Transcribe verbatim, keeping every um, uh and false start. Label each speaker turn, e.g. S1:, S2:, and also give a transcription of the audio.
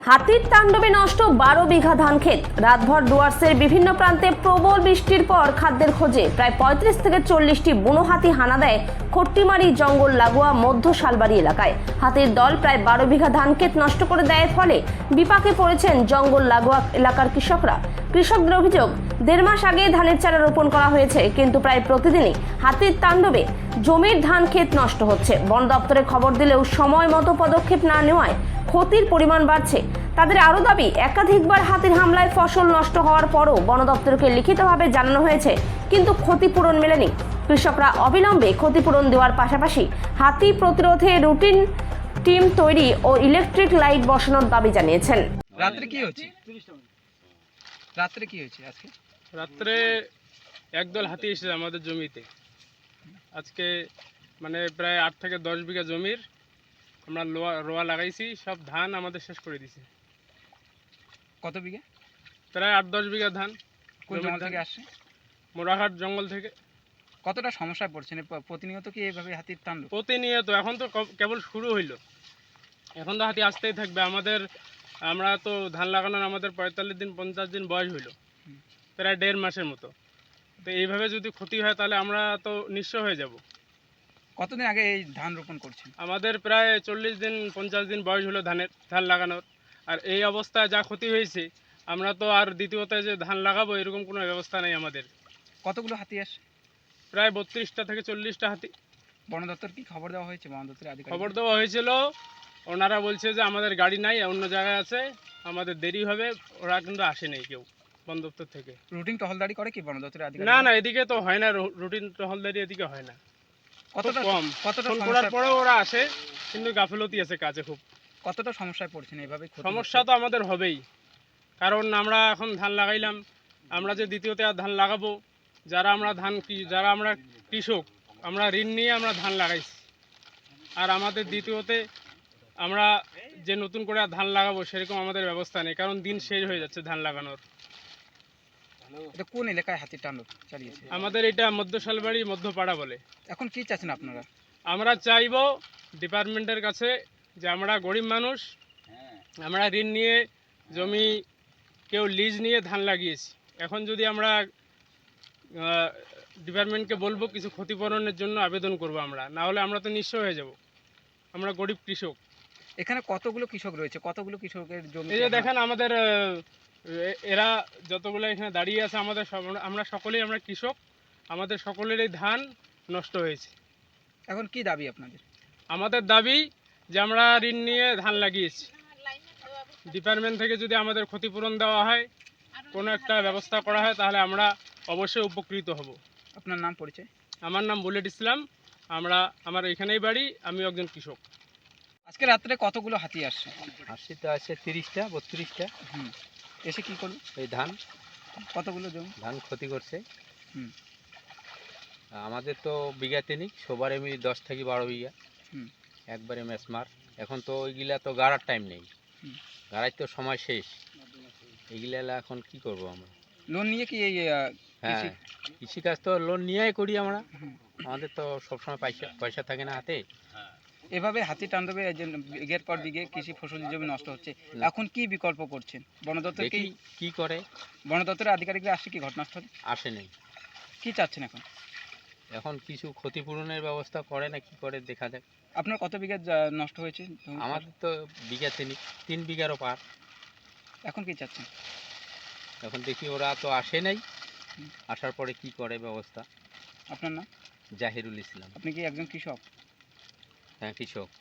S1: হাতির তাণ্ডবে নষ্ট বারো বিঘা ধান ক্ষেত। রাতভর ডুয়ার্সের বিভিন্ন প্রান্তে প্রবল বৃষ্টির পর খাদ্যের খোঁজে প্রায় পঁয়ত্রিশ থেকে চল্লিশটি বুনো হাতি হানা দেয় খট্টিমারি জঙ্গল লাগোয়া মধ্য শালবাড়ি এলাকায়। হাতির দল প্রায় বারো বিঘা ধান ক্ষেত নষ্ট করে দেয়, ফলে বিপাকে পড়েছেন জঙ্গল লাগোয়া এলাকার কৃষকরা। কৃষকদের অভিযোগ, দেড় মাস আগে ধানের চারা রোপণ করা হয়েছে, কিন্তু প্রায় প্রতিদিনই হাতির তাণ্ডবে জমির ধান ক্ষেত নষ্ট হচ্ছে। বন দপ্তরে খবর দিলেও সময় মতো পদক্ষেপ না নেওয়ায় ক্ষতির পরিমাণ বাড়ছে। তাদের আরও দাবি, একাধিকবার হাতির হামলায় ফসল নষ্ট হওয়ার পরও বন দপ্তরকে লিখিতভাবে জানানো হয়েছে, কিন্তু ক্ষতিপূরণ মেলেনি। কৃষকরা অবিলম্বে ক্ষতিপূরণ দেওয়ার পাশাপাশি হাতি প্রতিরোধে রুটিন টিম তৈরি ও ইলেকট্রিক লাইট বসানোর দাবি জানিয়েছেন।
S2: রাত্রে কি হচ্ছে রাত্রে কি হয়েছে আজকে?
S3: রাত্রে একদল হাতি এসেছে আমাদের জমিতে। আজকে মানে প্রায় আট থেকে দশ বিঘা জমির আমরা লোয়া রোয়া লাগাইছি, সব ধান আমাদের শেষ করে দিছে।
S2: কত বিঘা?
S3: প্রায় আট দশ বিঘা ধান।
S2: কোন জঙ্গল থেকে আসছে?
S3: মোরাহাট জঙ্গল থেকে।
S2: কতটা সমস্যায় পড়ছেন? প্রতিনিয়ত কি এইভাবে হাতির তাণ্ডব?
S3: প্রতিনিয়ত। এখন তো কেবল শুরু হইল, এখন তো হাতি আসতেই থাকবে। আমাদের আমরা তো ধান লাগানোর আমাদের পঁয়তাল্লিশ দিন পঞ্চাশ দিন বয়স হইল, প্রায় দেড় মাসের মতো। তো এইভাবে যদি ক্ষতি হয় তাহলে আমরা তো নিঃস্ব হয়ে যাব।
S2: কতদিন আগে এই ধান রোপণ করছেন?
S3: আমাদের প্রায় চল্লিশ দিন পঞ্চাশ দিন বয়স হলো ধানের ধান লাগানোর। আর এই অবস্থায় যা ক্ষতি হয়েছে, আমরা তো আর দ্বিতীয়ত যে ধান লাগাবো এরকম কোনো ব্যবস্থা নেই আমাদের।
S2: কতগুলো হাতি আসে?
S3: প্রায় বত্রিশটা থেকে চল্লিশটা হাতি।
S2: বন দপ্তর কি খবর দেওয়া হয়েছে? বন দপ্তরের আধিকারিক
S3: খবর দেওয়া হয়েছিল, ওনারা বলছে যে আমাদের গাড়ি নাই, অন্য জায়গায় আছে, আমাদের দেরি হবে। ওরা কিন্তু আসেনি কেউ বন দপ্তর থেকে।
S2: রুটিন টহলদারি করে কি বন দপ্তরের আধিকারিক?
S3: না না, এদিকে তো হয় না, রুটিন টহলদারি এদিকে হয় না।
S2: কতটা
S3: কম,
S2: কতটা
S3: ফোন করার পরেও ওরা আসে, কিন্তু গাফিলতি আছে কাজে খুব।
S2: কতটা সমস্যায় পড়ছেন এইভাবে?
S3: সমস্যা তো আমাদের হবেই, কারণ আমরা এখন ধান লাগাইলাম, আমরা যে দ্বিতীয়তে আর ধান লাগাবো, যারা আমরা ধান যারা আমরা কৃষক, আমরা ঋণ নিয়ে আমরা ধান লাগাইছি। আর আমাদের দ্বিতীয়তে আমরা যে নতুন করে ধান লাগাবো সেরকম আমাদের ব্যবস্থা নেই, কারণ দিন শেষ হয়ে যাচ্ছে ধান লাগানোর।
S2: এটা কোন এলাকায় হাতির তাণ্ডব চালিয়েছে?
S3: আমাদের এটা মধ্য শালবাড়ি মধ্যপাড়া বলে।
S2: এখন কি চাচ্ছেন আপনারা?
S3: আমরা চাইবো ডিপার্টমেন্টের কাছে যে আমরা গরিব মানুষ, আমরা ঋণ নিয়ে জমি কেউ লিজ নিয়ে ধান লাগিয়েছি। এখন যদি আমরা ডিপার্টমেন্টকে বলবো কিছু ক্ষতিপূরণের জন্য আবেদন করব আমরা, না হলে আমরা তো নিঃস্ব হয়ে যাব। আমরা গরিব কৃষক।
S2: এখানে কতগুলো কৃষক রয়েছে? কতগুলো কৃষকের জমি?
S3: এই যে দেখেন আমাদের এরা যতগুলো এখানে দাঁড়িয়ে আছে, আমাদের আমরা সকলেই আমরা কৃষক, আমাদের সকলেরই ধান নষ্ট হয়েছে।
S2: এখন কি দাবি আপনাদের?
S3: আমাদের দাবি যে আমরা ঋণ নিয়ে ধান লাগিয়েছি, ডিপার্টমেন্ট থেকে যদি আমাদের ক্ষতিপূরণ দেওয়া হয়, কোনো একটা ব্যবস্থা করা হয়, তাহলে আমরা অবশ্যই উপকৃত হব।
S2: আপনার নাম পরিচয়?
S3: আমার নাম বুলেট ইসলাম, আমরা আমার এখানেই বাড়ি, আমি একজন কৃষক।
S2: আজকে রাত্রে কতগুলো হাতি আসছে?
S4: হাসি তো আছে তিরিশটা বত্রিশটা।
S2: হুম, এসে কি করলো?
S4: এই ধান
S2: কতগুলো জমি
S4: ধান ক্ষতি করছে।
S2: হুম,
S4: আমাদের তো বিঘা তিনিক, সবার এমনি দশ থেকে বারো বিঘা।
S2: হুম,
S4: একবারে মেসমার। এখন তো ওইগুলা তো গাড়ার টাইম নেই,
S2: হুম।
S4: গাড়ার তো সময় শেষ। এইগুলা এখন কি করব আমরা?
S2: লোন নিয়ে কি এই আহ,
S4: হ্যাঁ,
S2: কৃষি-
S4: কৃষিকাজ তো লোন নিয়েই করি আমরা।
S2: হুম।
S4: আমাদের তো সবসময় পয়সা পয়সা থাকে না হাতে।
S2: এভাবে হাতি তাণ্ডবে এই যে বিঘের পর বিঘে কৃষি ফসল জমি নষ্ট হচ্ছে,
S4: না।
S2: এখন কি বিকল্প করছেন? বন দপ্তর কি
S4: দেখি কি করে।
S2: বন দপ্তরের আধিকারিকরা আসছে কি ঘটনাস্থলে?
S4: আসে নেই।
S2: কি চাচ্ছেন এখন?
S4: এখন কিছু ক্ষতিপূরণের ব্যবস্থা করে না কি করে দেখা যাক।
S2: আপনার কত বিঘা জা- নষ্ট হয়েছে জমি?
S4: আমাদের তো বিঘা তিনিক, তিন বিঘারও পার।
S2: এখন কি চাচ্ছেন?
S4: এখন দেখি ওরা তো আসে নাই, আসার পরে কি করে ব্যবস্থা।
S2: আপনার নাম?
S4: জাহিরুল ইসলাম।
S2: আপনি কি একজন কৃষক?
S4: হ্যাঁ, কৃষক।